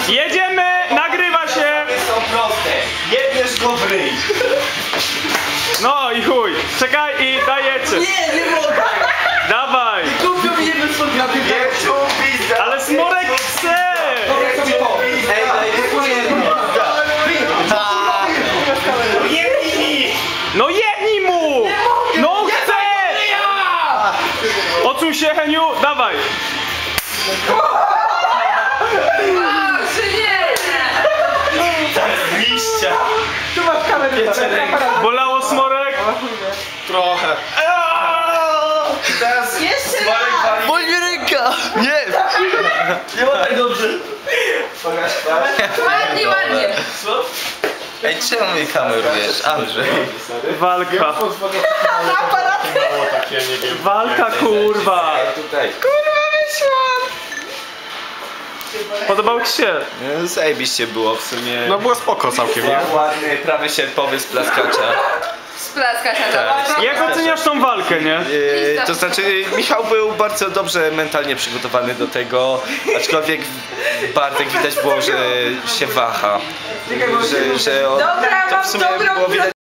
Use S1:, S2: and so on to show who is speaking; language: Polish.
S1: Jedziemy, nagrywa się.
S2: Są proste. Jedniesz go w ryj.
S1: No i chuj. Czekaj i dajecie.
S3: Nie mogę!
S1: Dawaj.
S3: Kupią mi jedno swój
S2: Wieczu pizda.
S1: Ale Smorek chce.
S3: Ej, daj
S1: No jednij mu. No chce. Odsuń się, Heniu, dawaj.
S2: Liścia.
S3: Tu masz kamerę.
S1: Bolało, Smorek?
S2: Trochę. Teraz
S4: Jeszcze
S2: Smolek
S4: raz.
S2: wali.
S3: Boli mnie ręka! Nie!
S2: Nie ma tak dobrze. Pokaż
S4: Ładnie, ładnie.
S2: Co?
S3: Ej, czemu mi kamerujesz, Andrzej?
S1: Walka.
S4: Aparaty.
S1: Walka, kurwa.
S2: Tutaj.
S3: Kurwa, wyszłam!
S1: Podobał ci się?
S3: Zajebiście było w sumie.
S5: No było spoko całkiem, nie?
S3: Ładny, prawy sierpowy z plaskacza.
S4: Splaska się
S3: Tak.
S1: Jak oceniasz tą walkę, nie?
S3: To znaczy, Michał był bardzo dobrze mentalnie przygotowany do tego, aczkolwiek Bartek widać było, że się waha. Że on,
S4: Dobra,
S3: to w
S4: mam
S3: sumie
S4: dobrą
S3: było widać.